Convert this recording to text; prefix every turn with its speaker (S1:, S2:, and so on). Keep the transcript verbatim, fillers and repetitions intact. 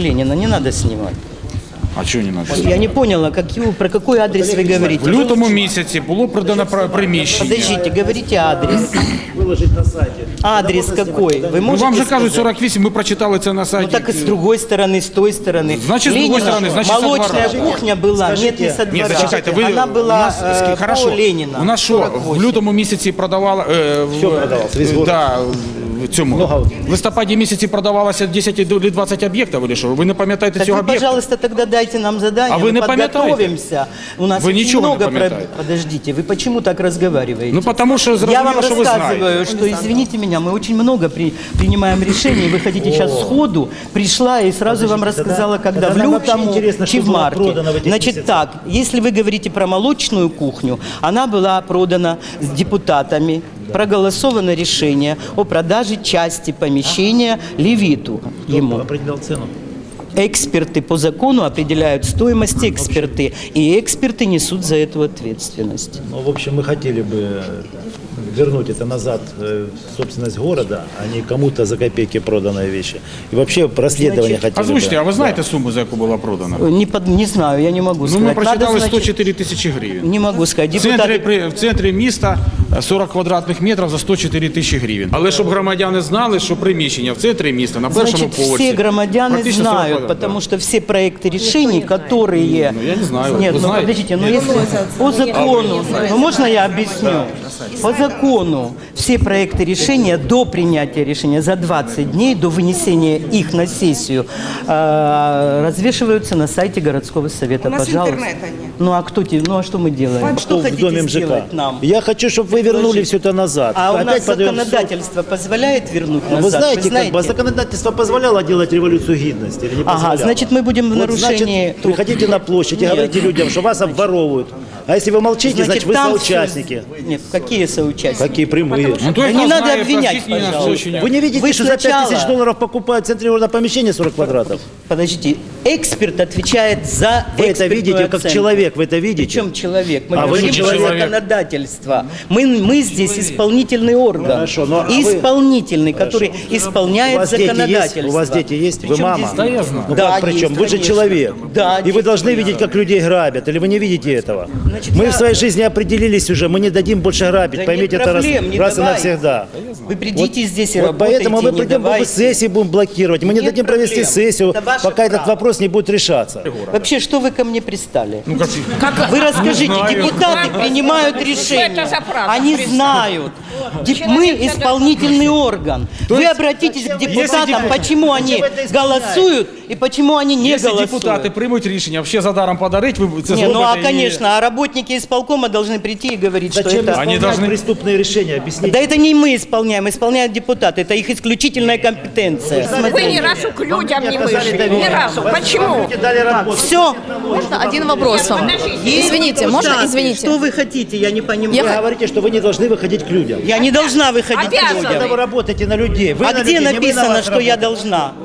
S1: Ленина не надо снимать.
S2: А чого не надо?
S1: Я не поняла, какие, про какой адрес вы говорите.
S2: В лютому місяці було продано приміщення.
S1: Подождите, говорите адрес.
S3: Выложить на сайте.
S1: Адрес какой? Вы
S2: Ну,
S1: можете
S2: вам же
S1: сказать?
S2: кажуть сорок вісім, ми прочитали це на
S1: Ну
S2: сайті.
S1: так и с другой стороны, с той стороны.
S2: Значит, с другой
S1: Ленина,
S2: стороны, значит, со
S1: молочная
S2: двора.
S1: кухня была,
S3: Скажите,
S1: нет, не со
S2: Ні,
S1: двора.
S2: зачекайте, ви
S1: Она
S2: у
S1: была
S2: нас,
S1: э,
S2: скі- хорошо,
S1: по Ленина.
S2: у нас що,
S1: сорок
S2: в
S1: восемь.
S2: лютому місяці продавала, е, в,
S3: Всё продавалось, весь город.
S2: да, в цьому,
S3: Много.
S2: в листопаді місяці продавалося десять или двадцять об'єктів, чи що? Ви не пам'ятаєте
S1: Так
S2: цього
S1: вы,
S2: об'єкта?
S1: пожалуйста, тогда дайте нам задание,
S2: А вы
S1: мы
S2: не пам'ятаєте?
S1: подготовимся. У нас
S2: Вы
S1: очень
S2: ничего не
S1: много про...
S2: пам'ятаєте.
S1: Подождите, вы почему так разговариваете?
S2: Ну, потому що
S1: Я вам
S2: зрозуміло, що ви знаєте.
S1: рассказываю, что, извините меня, мы очень много при, принимаем решений. Вы хотите сейчас сходу, пришла и сразу вам
S3: Подождите,
S1: рассказала,
S3: тогда-
S1: когда в
S3: тогда нам вообще
S1: лютому,
S3: интересно,
S1: чи
S3: что
S1: в
S3: было
S1: марте.
S3: продано в этих
S1: Значит
S3: месяцах.
S1: так, если вы говорите про молочную кухню, она была продана с депутатами, проголосовано решение о продаже части помещения Левиту
S3: Кто
S1: ему.
S3: определял цену?
S1: Эксперты по закону определяют стоимость эксперты, и эксперты несут за это ответственность.
S3: Ну, в общем, мы хотели бы вернуть это назад э, в собственность города, а не кому-то за копейки проданные вещи. И вообще расследование хотели
S2: Озвучте,
S3: бы.
S2: а ви знаєте суму, за яку була продана?
S1: Не, под, не знаю, я не могу
S2: Ну,
S1: сказать.
S2: ми прочитали
S1: Надо, значит,
S2: сто чотири тисячі гривень.
S1: Не могу сказать.
S2: В центрі,
S1: Депутаты...
S2: при- в центрі міста сорок квадратних метрів за сто чотири тисячі гривень. Але щоб громадяни знали, що приміщення в центрі міста на першому
S1: Значит,
S2: поверсі.
S1: все громадяне
S2: практично сорок
S1: знают,
S2: квадратів,
S1: потому
S2: да.
S1: что все проекты решений, которые...
S2: Ну, я не знаю,
S1: Нет,
S2: вы
S1: ну
S2: знаете?
S1: подождите, ну
S2: Нет.
S1: если по закону, ну можно я объясню? По закону все проекты решения до принятия решения за двадцать дней, до вынесения их на сессию, э, развешиваются на сайте городского совета.
S4: У нас
S1: Пожалуйста.
S4: интернета нет.
S1: Ну а кто те, ну а что мы делаем? Что
S3: в доме
S1: хотите
S3: МЖК.
S1: сделать нам?
S3: Я хочу, чтобы вы вернули все это назад.
S1: А у
S3: Опять
S1: нас
S3: подаем в суд.
S1: законодательство позволяет вернуть
S3: Вы
S1: назад?
S3: знаете, как бы законодательство позволяло делать революцию гидности или не
S1: Ага,
S3: позволяло?
S1: значит, мы будем в
S3: Вот,
S1: нарушении...
S3: Значит, приходите на площадь и
S1: Нет.
S3: говорите людям, что вас обворовывают. А если вы молчите, значит, вы
S1: там
S3: соучастники.
S1: всё- Нет, какие соучастники?
S3: Какие прямые.
S2: Ну, то
S1: Да
S2: есть,
S1: не
S2: нас
S1: надо
S2: знає,
S1: обвинять,
S2: простіть мене,
S1: пожалуйста.
S2: злочині.
S3: Вы не видите,
S1: Вы
S3: что за пять
S1: сначала-
S3: тысяч долларов покупают в центре города помещение сорок квадратов?
S1: Подождите, эксперт отвечает за
S3: Вы это
S1: экспертную
S3: видите, как
S1: оценку.
S3: человек, вы это видите?
S1: Причем человек? Мы
S3: А вы
S1: говорим
S3: не
S1: про
S2: человек.
S1: законодательство. Мы, мы здесь исполнительный орган.
S3: Хорошо, но а вы-
S1: исполнительный, который исполняет
S3: У вас дети есть?
S1: законодательство.
S3: У вас дети есть? Вы
S1: Причем
S3: мама?
S1: здесь-
S2: Да, я знаю.
S3: Ну
S1: Да,
S3: как причем?
S1: есть,
S3: Вы же
S1: конечно.
S3: человек.
S1: Да,
S3: И вы
S1: действительно.
S3: должны видеть, как людей грабят. Или вы не видите этого?
S1: Значит,
S3: Мы
S1: я-
S3: в своей жизни определились уже. Мы не дадим больше грабить.
S1: Да
S3: Поймите
S1: нет
S3: это раз,
S1: проблем, не
S3: раз и
S1: давайте.
S3: навсегда.
S1: Вы придите здесь и
S3: Вот
S1: работайте,
S3: поэтому мы
S1: не
S3: придем,
S1: давайте.
S3: сессии будем блокировать. Мы не
S1: Нет
S3: дадим провести
S1: проблем.
S3: сессию,
S1: Это ваше
S3: пока этот
S1: право.
S3: вопрос не будет решаться.
S1: Вообще, что вы ко мне пристали?
S2: Ну, как...
S1: Вы расскажите,
S2: знаю.
S1: депутаты принимают решения.
S4: это за правда
S1: Они
S4: пристали?
S1: знают. Деп- Мы исполнительный орган. Вы обратитесь к депутатам,
S2: депутат-
S1: почему они голосуют и почему они не
S2: Якщо
S1: голосуют.
S2: депутати приймуть рішення, взагалі за даром подарить, ви це
S1: Не, ну а
S2: зробите і-
S1: конечно, а работники исполкома должны прийти и говорить, что
S3: Зачем
S1: это...
S3: исполнять
S2: должны-
S3: преступные решения? Объясните.
S1: Да это не мы исполняем, исполняют депутаты, это их исключительная компетенция.
S4: Вы ни разу к людям не вышли. Ни разу. Почему?
S3: Люди дали работу.
S1: Все.
S5: Можно один вопрос вам? Извините, можно? Извините.
S1: Что вы хотите, я не понимаю.
S3: Вы говорите, что вы не должны выходить к людям.
S1: Я не должна выходить к
S4: Обязана.
S3: Когда вы
S1: людям.
S3: работаете на людей, вы
S1: А
S3: на
S1: где
S3: людей, не мы на
S1: написано,
S3: вас
S1: что я
S3: работаем.
S1: должна?